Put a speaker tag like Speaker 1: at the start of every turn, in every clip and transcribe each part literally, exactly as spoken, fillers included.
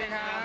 Speaker 1: ดีครับ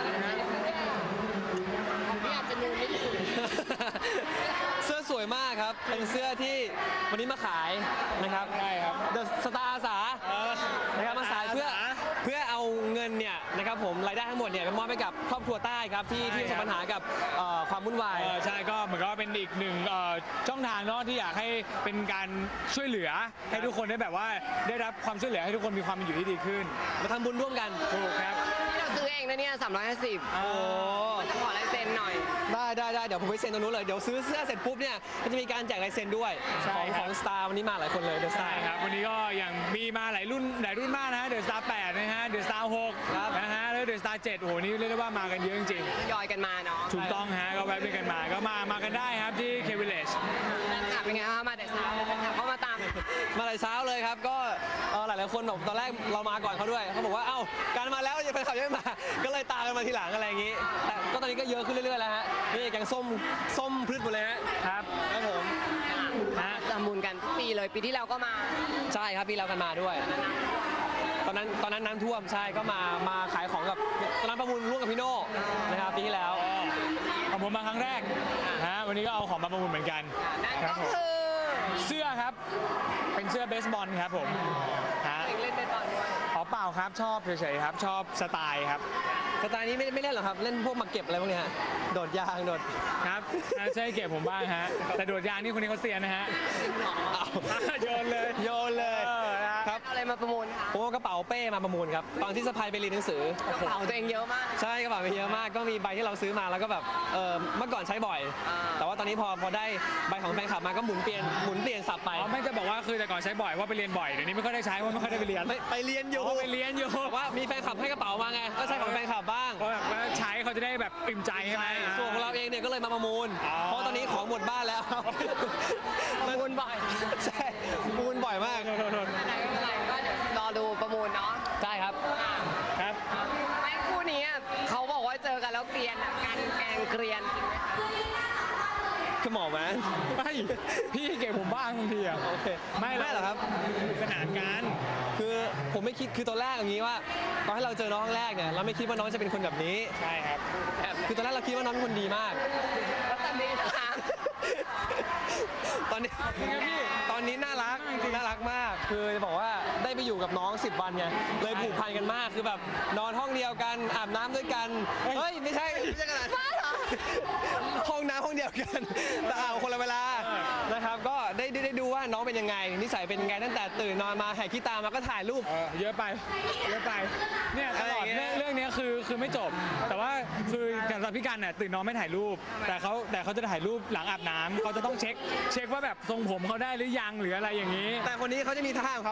Speaker 2: พี่อาจจะนูนนิดนึง
Speaker 3: เสื้อสวยมากครับเป็นเสื้อที่วันนี้มาขายนะครับ
Speaker 1: ใช่ครับ
Speaker 3: เดอะสตาร์อาสานะครับมาขายเพื่อเพื่อเอาเงินเนี่ยนะครับผมรายได้ทั้งหมดเนี่ยไปมอบให้กับครอบครัวใต้ครับที่ที่ประสบปัญหากับเอ่อความวุ่นวาย
Speaker 1: เออใช่ก็เหมือนกับว่าเป็นอีกหนึ่งเอ่อช่องทางเนาะที่อยากให้เป็นการช่วยเหลือให้ทุกคนได้แบบว่าได้รับความช่วยเหลือให้ทุกคนมีความเป็นอยู่ที่ดีขึ้น
Speaker 3: มาทำบุญร่วมกัน
Speaker 1: ถูกครับ
Speaker 2: ที่เราซื้อเองนะเนี่ยสามร้อยห้าสิบ
Speaker 3: โอ้
Speaker 2: จะขอลายเซ็นหน่อย
Speaker 3: ได้ได้ได้เดี๋ยวผมไปเซ็นตรงนู้นเลยเดี๋ยวซื้อเสื้อเสร็จปุ๊บเนี่ยก็จะมีการแจกลายเซ็นด้วย
Speaker 1: ใช่
Speaker 3: ของ
Speaker 1: ค
Speaker 3: ข
Speaker 1: รับ
Speaker 3: องสตาร์วันนี้มาหลายคนเลยเดอะสตา
Speaker 1: ใช่
Speaker 3: ร์
Speaker 1: ครับวันนี้ก็อย่างมีมาหลายรุ่นหลายรุ่นมากนะฮะเดอะสตาร์แปดนะฮะเดอะสตาร์หก
Speaker 3: ครับ
Speaker 1: นะฮะแล้วเดอะสตาร์เจ็ดโอ้โหนี่เรียกได้ว่ามากันเยอะจริง
Speaker 2: ยอยกันมาเนาะ
Speaker 1: ๆถูกต้องฮะก็แวะไปกันมาก็มามากันได้ครับที่เควิลเลจ
Speaker 2: ค่ะเป็นไงคะมาแต่เช้าค่ะเขามาตาม
Speaker 3: มาแต่เช้าเลยครับก็เอ่อหลายๆคนแบบตอนแรกเรามาก่อนเขาด้วยเขาบอกว่าเอ้าการมาแล้วยังไปขับยังไม่มา ก็เลยตามกันมาทีหลังอะไรอย่างงี้แต่ก็ตอนนี้ก็เยอะขึ้นเรื่อยๆแล้วฮะนี่แกงส้มส้มพืชหมดเลยฮะ
Speaker 1: ครับ
Speaker 3: ครับผม
Speaker 1: ฮะ
Speaker 2: ทำบุญกันทุกปีเลยปีที่แล้วก็มา
Speaker 3: ใช่ครับพี่เรากันมาด้วย ตอนนั้นตอนนั้นน้ำท่วมใช่ก็มามาขายของกับตอนนั้นประมูลร่วมกับพี่โน่นะครับปีที่แล้ว
Speaker 1: ของผมมาครั้งแรกฮะวันนี้ก็เอาของมาประมูลเหมือนกัน
Speaker 2: นั่น
Speaker 1: ครับ
Speaker 2: ก็
Speaker 1: ผม
Speaker 2: คือ
Speaker 1: เสื้อครับเป็นเสื้อเบสบอลครับผมฮะ
Speaker 2: เด็กเล่นเบสบอลด้วย
Speaker 1: ขอเปล่าครับชอบเฉยๆครับชอบสไตล์ครับ
Speaker 3: สไตล์นี้ไม่ไม่เล่นหรอกครับเล่นพวกหมากเก็บอะไรพวกเนี้ยฮะโดดยางโดด
Speaker 1: ครับน่าใช่เก็บผมบ้างฮะแต่โดดยางนี่คนนี้เขาเซียนนะฮะ
Speaker 3: เอา
Speaker 1: โยนเลย
Speaker 3: โยนเลย
Speaker 1: เออนะ
Speaker 3: ครับ
Speaker 2: เอาอะไรมาประมูลคะ
Speaker 3: ผมเอากระเป๋าเป้มาประมูลครับตอนที่สะพายไปเรียนหนังสือก
Speaker 2: ระเป๋าตัวเองเยอะมาก
Speaker 3: ใช่กระเป๋าไปเยอะมากก็มีใบที่เราซื้อมาแล้วก็แบบเออเมื่อก่อนใช้บ่อย
Speaker 2: อ่า
Speaker 3: แต่ว่าตอนนี้พอพอได้ใบของแฟนคลับมาก็หมุนเปลี่ยนหมุนเปลี่ยนสับไป
Speaker 1: อ๋อไม่จะบอกว่าคือแต่ก่อนใช้บ่อยว่าไปเรียนบ่อยเดี๋ยวนี้ไม่ค่อยได้ใช้เพราะไม่ค่อยได้ไปเรียน
Speaker 3: ไปไปเรียนอยู่
Speaker 1: อ๋อไปเรียนอยู่
Speaker 3: แต่ว่ามีแฟนคลับให้กระเป๋ามาไงก็ใช้ของแฟนคลับบ้าง
Speaker 1: เพราะแบบว่าใช้เขาจะได้แบบอิ่มใจใช่ไหม
Speaker 3: ส่วนของเราเองเนี่ยก็เลยมาประมูล
Speaker 1: อ๋อ
Speaker 3: เพราะตอนนี้ของหมดบ้านแล้ว
Speaker 2: ประมูลบ่อย
Speaker 3: ใช่ประมูลบ่อยมาก
Speaker 2: ไม่เป็นไรไม่เป็นไรก็เดี๋ยวรอดูประมูลเนาะ
Speaker 3: ใช่ครับ
Speaker 1: ครับ
Speaker 2: ไม่คู่นี้อะเขาบอกว่าเจอกันแล้วเกรียนอะการแกล้งเกรียนจริงไหมคะ
Speaker 3: คือหมอไหม
Speaker 1: ไม่พี่เก็บผมบ้างบางทีอ่ะ
Speaker 3: โอเค
Speaker 1: ไม่
Speaker 3: ไม่หรอกครับ
Speaker 1: ขนาดกัน
Speaker 3: คือผมไม่คิดคือตอนแรกอย่างนี้ว่าตอนให้เราเจอน้องครั้งแรกเนี่ยเราไม่คิดว่าน้องจะเป็นคนแบบนี้
Speaker 1: ใช่ครับ
Speaker 3: คือตอนแรกเราคิดว่าน้องเป็นคนดีมาก
Speaker 2: แล้วตอนนี้นะคะ
Speaker 3: ตอนนี้ตอนนี้น่ารักน่ารักมาก คือจะบอกว่าได้ไปอยู่กับน้องสิบวันไงเลยผูกพันกันมากคือแบบนอนห้องเดียวกันอาบน้ำด้วยกันเฮ้ยไม่ใช่ไม่ใช่ขนาดนั้นห้องน้ำห้องเดียวกันแต่อาบคนละเวลานะครับก็ได้ได้ได้ดูว่าน้องเป็นยังไงนิสัยเป็นยังไงตั้งแต่ตื่นนอนมาแหกขี้ตามาก็ถ่ายรูป
Speaker 1: เออเยอะไปเยอะไปเนี่ยตลอด
Speaker 3: อะไรอย่างเงี้ย
Speaker 1: เรื่องเรื่องเนี้ยคือคือไม่จบ แต่ว่าคือสำหรับพี่กันเนี่ยตื่นนอนไม่ถ่ายรูป แต่เขาแต่เขาจะถ่ายรูปหลังอาบน้ำเขาจะต้องเช็คเช็คว่าแบบทรงผมเขาได้หรือยังหรืออะไรอย่างนี้
Speaker 3: แต่คนนี้เขาจะมีท่าของเขา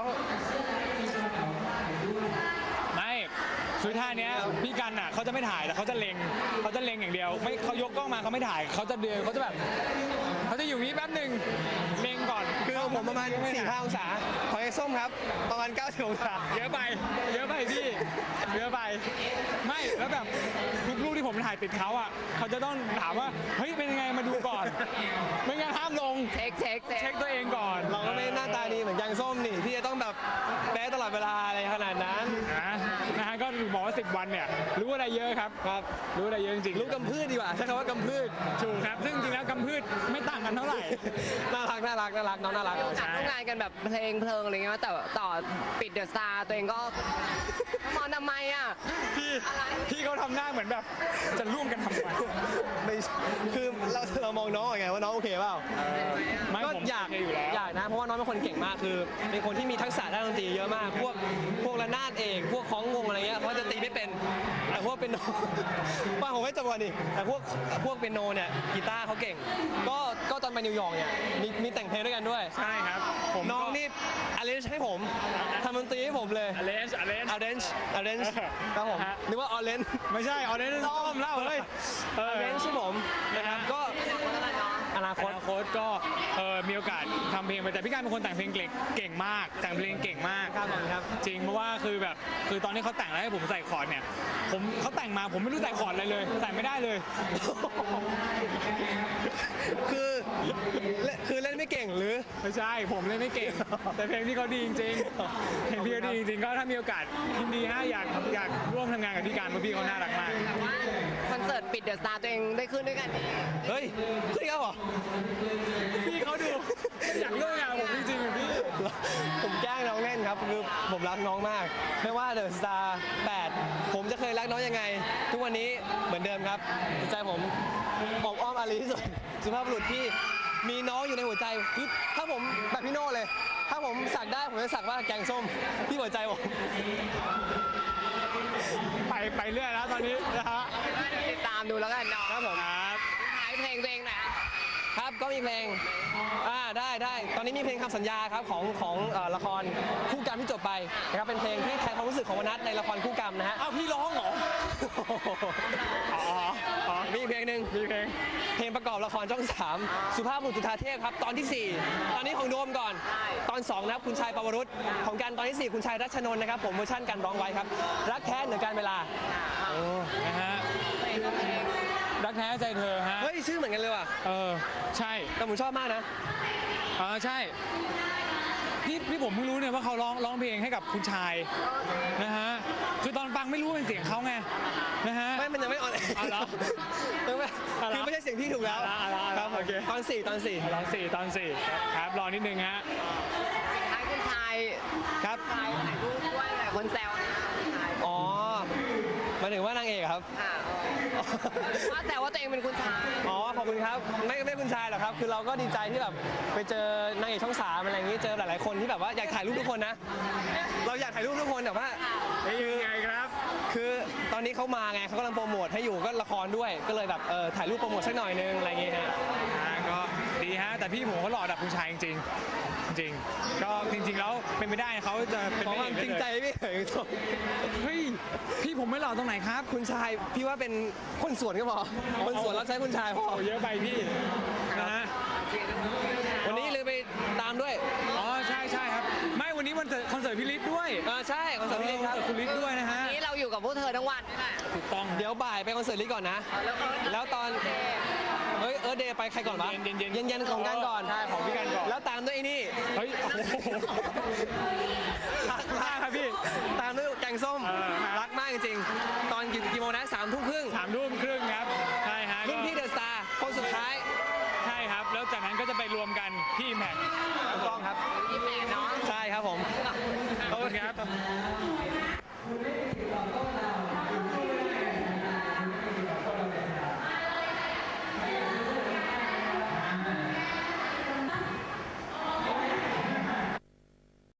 Speaker 1: ไม่คือท่าเนี้ยพี่กันอ่ะเขาจะไม่ถ่ายแต่เขาจะเล็งเขาจะเล็งอย่างเดียวไม่เขายกกล้องมาเขาไม่ถ่ายเขาจะเดินเขาจะแบบเขาจะอยู่นี้แป๊บหนึ่งเล็งก่อน
Speaker 3: คือของผมประมาณสี่ห้าองศาของไอ้ส้มครับประมาณเก้าสิบองศา
Speaker 1: เยอะไปเยอะไปพี่เยอะไปไม่แล้วแบบทุกรูปที่ผมถ่ายติดเขาอ่ะเขาจะต้องถามว่าเฮ้ยเป็นยังไงมาดูก่อนไม่งั้นห้ามลง
Speaker 2: เช็คเช็คเช็
Speaker 1: เช็
Speaker 2: ค
Speaker 1: คตัวเองก่อน
Speaker 3: เราก็ไม่หน้าตาดีเหมือนแกงส้มนี่ที่จะต้องแบบแป๊ะตลอดเวลาอะไรขนาดนั้น
Speaker 1: นะนะฮะก็บอกว่าสิบวันเนี่ยรู้อะไรเยอะครับ
Speaker 3: ครับ
Speaker 1: รู้อะไรเยอะจริงๆ
Speaker 3: ลูกกำพืชดีกว่าใช้คำว่ากำพืช
Speaker 1: ถูกครับซึ่งจริงๆแล้วกำพืชไม่ต่างกันเท่าไหร่
Speaker 3: น่ารักน่ารักน่ารักน้องน่ารัก
Speaker 2: มีโอกาสร่วมงานกันแบบเพลงเพลิงอะไรเงี้ยแต่ต่อปิดเดอะสตาร์ตัวเองก็มอนทำไมอ่ะ
Speaker 1: พี่พี่เขาทำหน้าเหมือนแบบจะร่วมกันทำไม
Speaker 3: ไม่คือเราเรามองน้องยังไงว่าน้องโอเคเปล่า
Speaker 1: ไม่
Speaker 3: ก็
Speaker 1: ผม
Speaker 3: อยาก
Speaker 1: โเคอยู่แล้ว
Speaker 3: อยากนะเพราะว่าน้องเป็นคนเก่งมากคือเป็นคนที่มีทักษะด้านดนตรีเยอะมาก พวกพวกระนาดเอกพวกคล้องวงอะไรเงี้ยเขาจะตีไม่เป็นแต่พวกเป็นโน ว่าผมไม่จบวันดิแต่พวกพวกเป็นโนเนี่ยกีตาร์เขาเก่ง ก็ก็ตอนไปนิวยอร์กเนี่ยมีมีแต่งเพลงด้วยกันด้วย
Speaker 1: ใช่ครับผม
Speaker 3: น้องนี่อาร์เรนจ์ให้ผมทำดนตรีให้ผมเลย
Speaker 1: อเลนจ์อเลนจ์
Speaker 3: อาร์เรนจ์อาร์เรนจ์ครับผม
Speaker 1: ฮะ
Speaker 3: นึกว่าออเรนจ์
Speaker 1: ไม่ใช่ออเรนจ์ส้มเล่าเฮ้ยเออ
Speaker 3: อาร์เรนจ์ให้ผมนะครับก็
Speaker 2: คนละเนาะ
Speaker 3: อนาคต
Speaker 1: อนาคตก็เออมีโอกาสทำเพลงไปแต่พี่การเป็นคนแต่งเพลงเก่งเก่งมากแต่งเพลงเก่งมาก
Speaker 3: ครับผมครับ
Speaker 1: จริงเพราะว่าคือแบบคือตอนที่เขาแต่งแล้วให้ผมใส่คอร์ดเนี่ยผมเขาแต่งมาผมไม่รู้ใส่คอร์ดอะไรเลยใส่ไม่ได้เลย
Speaker 3: คือเล่นคือเล่นไม่เก่งหรือ
Speaker 1: ไม่ใช่ผมเลยไม่เก่ง แต่เพลงที่เขาดีจริงๆเพลงพี่เขาดีจริงๆก็ถ้ามีโอกาสยินดีฮะอยากอยากร่วมทำงานกับพี่การเพราะพี่เขาน่ารักมาก
Speaker 2: แต่ว่าคอนเสิร์ตปิดเดอะสตาร์ตัวเองได้ขึ้นด้วยกันนี่
Speaker 3: เฮ้ยขึ้นอีกแล้วเหรอ
Speaker 1: พี่เขาดูอยากร่วมงานกับผมจริงๆอะพี่
Speaker 3: ผมแกล้งน้องเล่นครับคือผมรักน้องมาก ไม่ว่าเดอะสตาร์แปดผมจะเคยรักน้องยังไง ทุกวันนี้เหมือนเดิมครับจิตใจผมอบอ้อมอารีที่สุดสุภาพบุรุษที่มีน้องอยู่ในหัวใจคือถ้าผมแบบพี่โน่เลย ถ้าผมสักได้ผมจะสักว่าแกงส้มที่หัวใจผม
Speaker 1: ไปไปเรื่อยแล้วตอนนี้นะฮะ
Speaker 2: ติดตามดูแล้วกันเนาะ
Speaker 3: ครับผม
Speaker 1: ครับ
Speaker 2: ท้ายเพลงตัวเองหน่อยครับ
Speaker 3: ครับก็มีเพลงอ่าได้ได้ตอนนี้มีเพลงคำสัญญาครับของของเอ่อละครคู่กรรมที่จบไปนะครับเป็นเพลงที่แทนความรู้สึกของวนัทในละครคู่กรรมนะฮะ
Speaker 1: อ้าวพี่ร้องเหรออ๋ออ๋อ
Speaker 3: มีอีกเพลงหนึ่ง
Speaker 1: มีเพลง
Speaker 3: เพลงประกอบละครช่องสามสุภาพบุรุษจุฑาเทพครับตอนที่สี่ตอนนี้ของโดมก่อน ตอนสองนะครับคุณชายปวรุษของกันตอนที่สี่คุณชายรัชนนท์นะครับผมเวอร์ชันกันร้องไว้ครับรักแท้เหนือการเวลา
Speaker 1: นะฮะรักแท้ใจเธอฮะ
Speaker 3: เฮ้ยชื่อเหมือนกันเลยว่ะ
Speaker 1: เออใช่
Speaker 3: แต่ผมชอบมากนะ
Speaker 1: เออใช่พี่พี่ผมเพิ่งรู้เนี่ยว่าเขาร้องร้องเพลงให้กับคุณชายนะฮะคือตอนฟังไม่รู้เป็นเสียงเขาไงนะฮะ
Speaker 3: ไม่มันยังไม่ออน
Speaker 1: อ๋อเหรอ
Speaker 3: ยังไม่
Speaker 1: อ๋อเหรอ
Speaker 3: คือไม่ใช่เสียงพี่ถูกแล้ว
Speaker 1: อ๋อเหรออ๋อเหรอ
Speaker 3: ครับ
Speaker 1: โอเค
Speaker 3: ตอนสี่ตอนสี่
Speaker 1: ตอนสี่ตอนสี่ครับรอนิดนึงฮะ
Speaker 2: ท้ายคุณชาย
Speaker 3: ครับ
Speaker 2: ชายถ่ายรูปด้วยหลายคนแซวนะคุณชาย
Speaker 3: อ๋อหมายถึงว่านางเอกครับ
Speaker 2: ค่ะว่าแต่ว่าตัวเองเป็นคุณชาย
Speaker 3: อ๋อ ขอบคุณครับ ไม่ไม่คุณชายหรอกครับ คือเราก็ดีใจที่แบบไปเจอนางเอกช่องสามอะไรอย่างนี้ เจอหลาย ๆ คนที่แบบว่าอยากถ่ายรูปทุกคนนะ เราอยากถ่ายรูปทุกคนแต่ว่า
Speaker 1: นี่ยังไงครับ
Speaker 3: คือตอนนี้เขามาไงเขากำลังโปรโมทให้อยู่ก็ละครด้วย ก็เลยแบบเออถ่ายรูปโปรโมทสักหน่อยนึงอะไรอย่างเงี้ยฮะ
Speaker 1: อ่าก็ดีฮะแต่พี่ผมเขาหล่อดับคุณชายจริงๆจริงๆก็จริงๆแล้วเป็นไม่ได้เขาจะเป็น
Speaker 3: ขอ
Speaker 1: พะ
Speaker 3: ความ
Speaker 1: เอก
Speaker 3: จริงใจ
Speaker 1: ได้เลย
Speaker 3: พี่เอ๋ย
Speaker 1: เฮ้ยพี่ผมไม่หล่อตรงไหนครับ
Speaker 3: คุณชายพี่ว่าเป็นคนสวนก็พอคนสวนรับใช้คุณชายพอ
Speaker 1: โอ้เยอะไปพี่นะฮะ
Speaker 3: วันนี้เลยไปตามด้วย
Speaker 1: อ๋อใช่ใช่ครับ ไม่วันนี้วันเสิร์ตคอนเสิร์ตพี่ลิศด้วย
Speaker 3: เออใช่คอนเสิร์ตพี่ลิศครับ
Speaker 1: คอนเสิร์ตคุณลิศด้วยนะฮะ
Speaker 2: วันนี้เราอยู่กับพวกเธอทั้งวันนี่แหละ
Speaker 1: ถูกต้อง
Speaker 3: เดี๋ยวบ่ายไปคอนเสิร์ตลิศก่อนนะ แล้วตอน เฮ้ยเออเดย์ไปใครก่อนวะ
Speaker 1: เย็นๆเย็น
Speaker 3: เย็นเย็นๆของกันก่อน
Speaker 1: ใช่ของพี่กันก่อน
Speaker 3: แล้วตามด้วยไอ้นี่
Speaker 1: เฮ้ยโอ้โหรักมากครับพี่
Speaker 3: ตามด้วยแกงส้ม
Speaker 1: เออ
Speaker 3: รักมากจริงๆ ตอนกี่กี่โมงนะสามทุ่มครึ่ง
Speaker 1: สามทุ่มครึ่งครับใช่ฮะ
Speaker 3: รุ่นพี่เดอะสตาร์คนสุดท้าย
Speaker 1: ใช่ครับ แล้วจากนั้นก็จะไปรวมกันที่แม็ก
Speaker 3: ถูกต้องครับ
Speaker 2: ยี่สิบแปดเนาะ
Speaker 3: ใช่ครับผม
Speaker 1: ขอบคุณครับ